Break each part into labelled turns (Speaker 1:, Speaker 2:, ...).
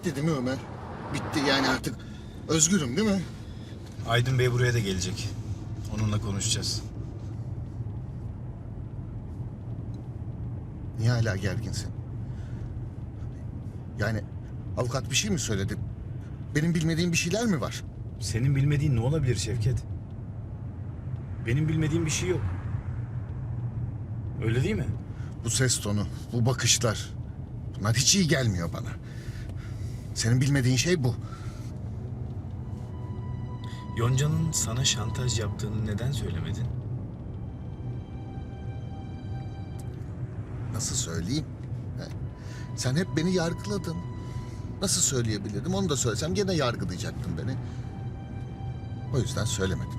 Speaker 1: bitti değil mi Ömer? Bitti yani artık özgürüm değil mi?
Speaker 2: Aydın Bey buraya da gelecek. Onunla konuşacağız.
Speaker 1: Niye hala gerginsin? Yani avukat bir şey mi söyledi? Benim bilmediğim bir şeyler mi var?
Speaker 2: Senin bilmediğin ne olabilir Şevket? Benim bilmediğim bir şey yok. Öyle değil mi?
Speaker 1: Bu ses tonu, bu bakışlar. Bunlar hiç iyi gelmiyor bana. Senin bilmediğin şey bu.
Speaker 2: Yonca'nın sana şantaj yaptığını neden söylemedin?
Speaker 1: Nasıl söyleyeyim? He? Sen hep beni yargıladın. Nasıl söyleyebilirdim? Onu da söylesem gene yargılayacaktın beni. O yüzden söylemedim.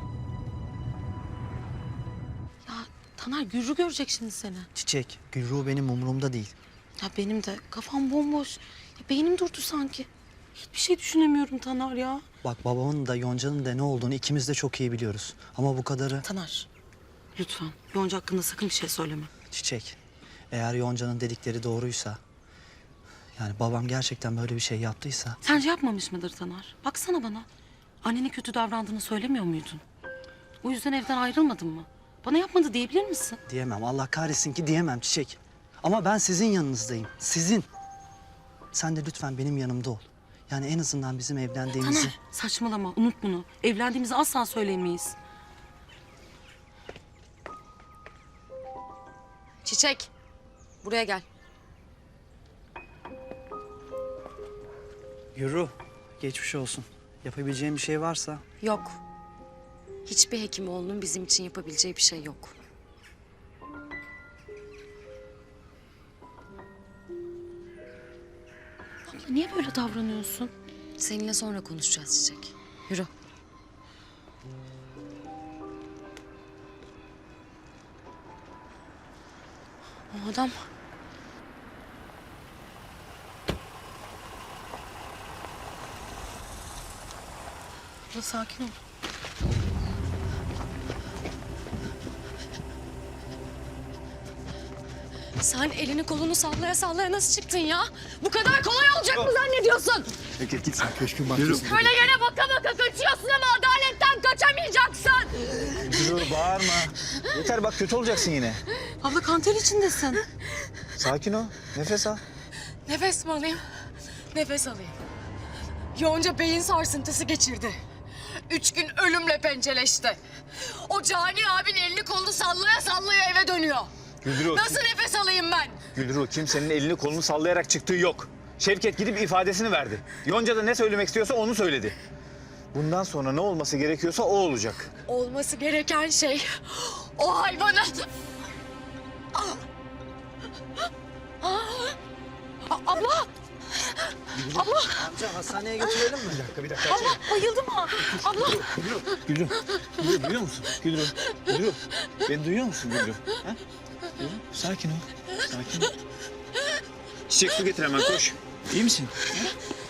Speaker 3: Ya Taner Gürrü görecek şimdi seni.
Speaker 4: Çiçek, Gülruh benim umurumda değil.
Speaker 3: Ya benim de kafam bomboş. Ya beynim durdu sanki. Hiçbir şey düşünemiyorum Taner ya.
Speaker 4: Bak babamın da Yonca'nın da ne olduğunu ikimiz de çok iyi biliyoruz. Ama bu kadarı...
Speaker 3: Taner lütfen Yonca hakkında sakın bir şey söyleme.
Speaker 4: Çiçek, eğer Yonca'nın dedikleri doğruysa... Yani babam gerçekten böyle bir şey yaptıysa...
Speaker 3: Sence yapmamış mıdır Taner? Baksana bana. Annene kötü davrandığını söylemiyor muydun? O yüzden evden ayrılmadın mı? Bana yapmadı diyebilir misin?
Speaker 4: Diyemem, Allah kahretsin ki diyemem Çiçek. Ama ben sizin yanınızdayım, sizin. Sen de lütfen benim yanımda ol. Yani en azından bizim evlendiğimizi...
Speaker 3: Taner saçmalama, unut bunu. Evlendiğimizi asla söylemeyiz. Çiçek, buraya gel.
Speaker 4: Gülruh, geçmiş olsun. Yapabileceğim bir şey varsa...
Speaker 5: Yok. Hiçbir hekimoğlunun bizim için yapabileceği bir şey yok.
Speaker 3: Abla niye böyle davranıyorsun?
Speaker 5: Seninle sonra konuşacağız Çiçek. Yürü.
Speaker 3: O adam... Abla sakin ol.
Speaker 5: Sen elini kolunu sallaya sallaya nasıl çıktın ya? Bu kadar kolay olacak mı zannediyorsun?
Speaker 1: Peki git sen köşkün bahçesine.
Speaker 5: Böyle yere baka baka kaçıyorsun ama adaletten kaçamayacaksın.
Speaker 6: Dur bağırma. Yeter bak kötü olacaksın yine.
Speaker 3: Abla kanter içindesin.
Speaker 6: Sakin ol. Nefes al.
Speaker 5: Nefes mi alayım? Nefes alayım. Yonca beyin sarsıntısı geçirdi. 3 gün ölümle pençeleşti. O cani abin elini kolunu sallaya sallaya eve dönüyor.
Speaker 6: Güldürü
Speaker 5: Nasıl nefes alayım ben?
Speaker 6: Güldürü kimsenin elini kolunu sallayarak çıktığı yok. Şevket gidip ifadesini verdi. Yonca da ne söylemek istiyorsa onu söyledi. Bundan sonra ne olması gerekiyorsa o olacak.
Speaker 5: Olması gereken şey o hayvanın... Abla!
Speaker 4: Amca hastaneye götürelim mi?
Speaker 6: Bir dakika.
Speaker 3: Bayıldı mı? Abla!
Speaker 6: Güldürü duyuyor musun? Güldürü. Beni duyuyor musun Güldürü? Ha? Güldürü, sakin ol. Sakin ol. Çiçek su getir hemen koş. İyi misin? Ha?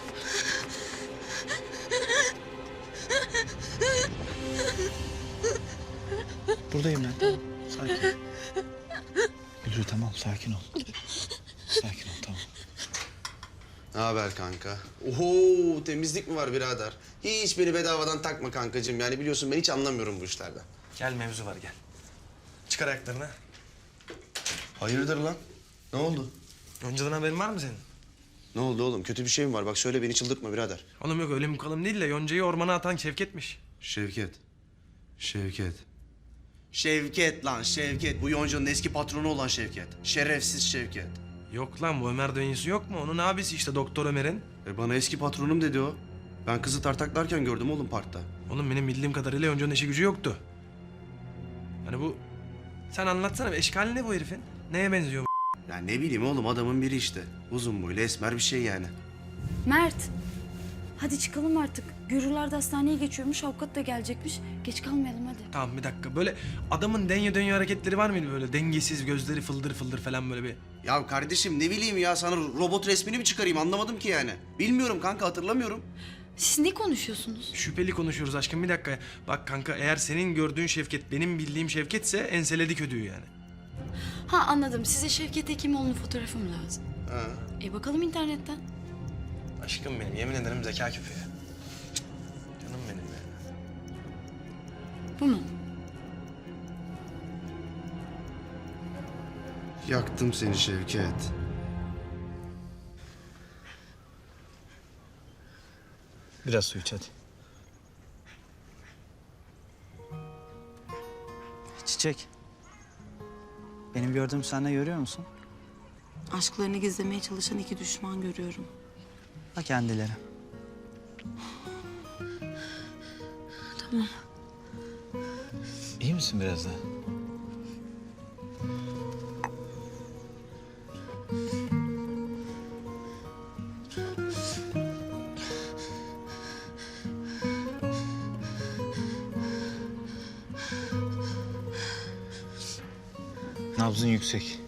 Speaker 6: Buradayım ben. Tamam. Sakin. Güldürü tamam sakin ol. Sakin ol tamam.
Speaker 7: Ne haber kanka? Oho, temizlik mi var birader? Hiç beni bedavadan takma kankacığım. Yani biliyorsun ben hiç anlamıyorum bu işlerden.
Speaker 8: Gel mevzu var gel. Çıkar ayaklarını.
Speaker 7: Hayırdır lan? Ne oldu?
Speaker 8: Yonca'dan haberin var mı senin?
Speaker 7: Ne oldu oğlum? Kötü bir şey mi var? Bak söyle beni çıldırtma birader.
Speaker 8: Oğlum yok öyle mukalım değil de Yonca'yı ormana atan Şevket'miş.
Speaker 7: Şevket.
Speaker 9: Şevket lan Şevket. Bu Yonca'nın eski patronu olan Şevket. Şerefsiz Şevket.
Speaker 8: Yok lan bu Ömer dayısı yok mu? Onun abisi işte Doktor Ömer'in.
Speaker 7: Bana eski patronum dedi o. Ben kızı tartaklarken gördüm oğlum parkta.
Speaker 8: Oğlum benim bildiğim kadarıyla Yonca'nın işi gücü yoktu. Yani bu... Sen anlatsana bir eşkali ne bu herifin? Neye benziyor bu?
Speaker 7: Ya ne bileyim oğlum adamın biri işte. Uzun boylu esmer bir şey yani.
Speaker 10: Mert, hadi çıkalım artık. Gürüler de hastaneye geçiyormuş, avukat da gelecekmiş. Geç kalmayalım hadi.
Speaker 8: Tamam bir dakika böyle adamın denye dönüyor hareketleri var mıydı böyle? Dengesiz gözleri fıldır fıldır falan böyle bir...
Speaker 7: Ya kardeşim ne bileyim ya sana robot resmini mi çıkarayım anlamadım ki yani. Bilmiyorum kanka hatırlamıyorum.
Speaker 10: Siz ne konuşuyorsunuz?
Speaker 8: Şüpheli konuşuyoruz aşkım bir dakika. Bak kanka eğer senin gördüğün Şevket benim bildiğim Şevketse enseledik ödüğü yani.
Speaker 10: Ha anladım. Size Şevket Hekimoğlu'nun fotoğrafı mı lazım?
Speaker 7: Ha.
Speaker 10: Bakalım internetten.
Speaker 8: Aşkım benim, yemin ederim zeka küpü ya. Canım benim ya.
Speaker 10: Bu mu?
Speaker 7: Yaktım seni Şevket.
Speaker 6: Biraz su iç hadi.
Speaker 4: Çiçek. Benim gördüğüm sen de görüyor musun?
Speaker 3: Aşklarını gizlemeye çalışan iki düşman görüyorum.
Speaker 4: Ha kendileri.
Speaker 6: İyi misin biraz daha? Nabzın yüksek.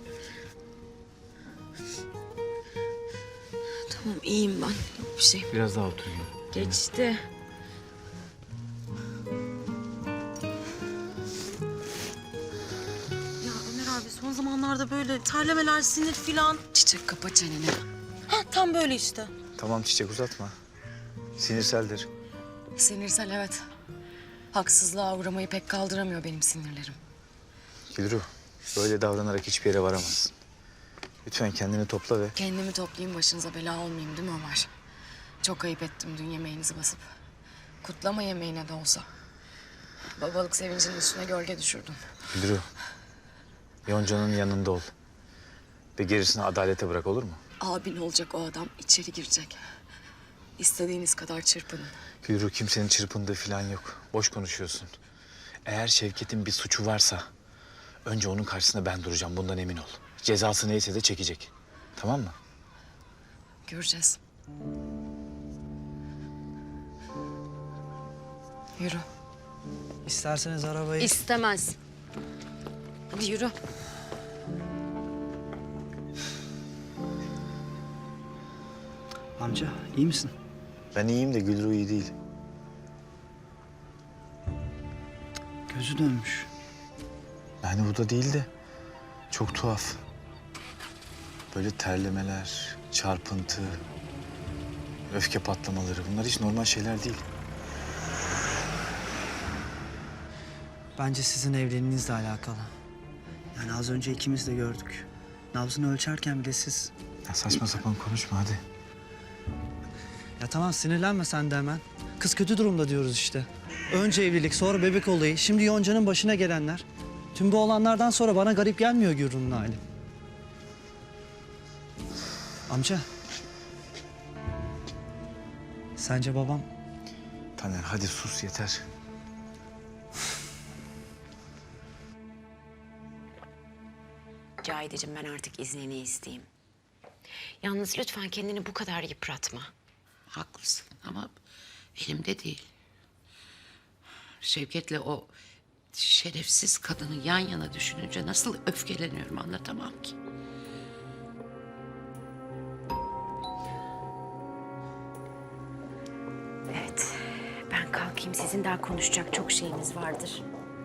Speaker 5: Tamam iyiyim ben. Yok bir şey.
Speaker 6: Biraz daha otur Gülru.
Speaker 5: Geçti.
Speaker 3: Ya Ömer abi son zamanlarda böyle terlemeler, sinir filan.
Speaker 5: Çiçek kapa çeneni.
Speaker 3: Ha tam böyle işte.
Speaker 6: Tamam Çiçek uzatma. Sinirseldir.
Speaker 5: Sinirsel evet. Haksızlığa uğramayı pek kaldıramıyor benim sinirlerim.
Speaker 6: Gülru, böyle davranarak hiçbir yere varamazsın. Lütfen kendini topla ve...
Speaker 5: Kendimi toplayayım başınıza bela olmayayım değil mi Ömer? Çok ayıp ettim dün yemeğinizi basıp. Kutlama yemeğine de olsa. Babalık sevincinin üstüne gölge düşürdüm.
Speaker 6: Gülru, Yonca'nın yanında ol. Ve gerisini adalete bırak, olur mu?
Speaker 5: Abin olacak o adam içeri girecek. İstediğiniz kadar çırpının.
Speaker 6: Gülru, kimsenin çırpındığı falan yok. Boş konuşuyorsun. Eğer Şevket'in bir suçu varsa... önce onun karşısında ben duracağım, bundan emin ol. Cezası neyse de çekecek. Tamam mı?
Speaker 5: Göreceğiz. Yürü.
Speaker 4: İsterseniz arabayı...
Speaker 5: İstemez. Hadi yürü.
Speaker 4: Amca iyi misin?
Speaker 6: Ben iyiyim de Gülru iyi değil.
Speaker 4: Gözü dönmüş.
Speaker 6: Yani bu da değil de çok tuhaf. Böyle terlemeler, çarpıntı, öfke patlamaları bunlar hiç normal şeyler değil.
Speaker 4: Bence sizin evliliğinizle alakalı. Yani az önce ikimiz de gördük. Nabzını ölçerken bile siz...
Speaker 6: Ya saçma sapan konuşma hadi.
Speaker 4: Ya tamam sinirlenme sen de hemen. Kız kötü durumda diyoruz işte. Önce evlilik, sonra bebek olayı, şimdi Yonca'nın başına gelenler. Tüm bu olanlardan sonra bana garip gelmiyor Gürun'un hali. Amca. Sence babam...
Speaker 6: Taner hadi sus yeter.
Speaker 11: Cahideciğim ben artık iznini isteyeyim. Yalnız lütfen kendini bu kadar yıpratma.
Speaker 12: Haklısın ama elimde değil. Şevket'le o şerefsiz kadını yan yana düşününce nasıl öfkeleniyorum anlatamam ki.
Speaker 11: Evet, ben kalkayım. Sizin daha konuşacak çok şeyiniz vardır.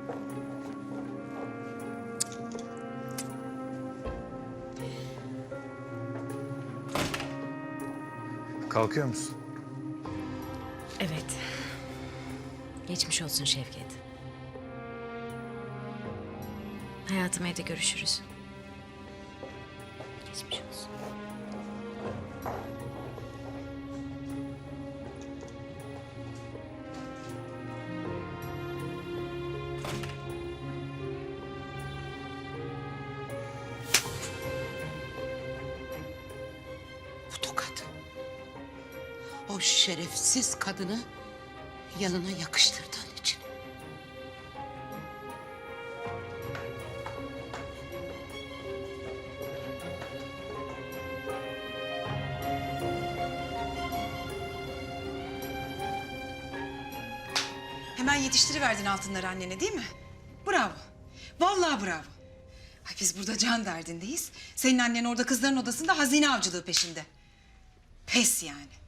Speaker 6: Kalkıyor musun?
Speaker 11: Evet. Geçmiş olsun Şevket. Hayatım evde görüşürüz. Geçmiş olsun.
Speaker 12: Bu tokat. O şerefsiz kadını yanına yakıştırdığın için.
Speaker 13: Hemen yetiştiriverdin altınları annene değil mi? Bravo. Vallahi bravo. Ay biz burada can derdindeyiz. Senin annen orada kızların odasında hazine avcılığı peşinde. Pes yani.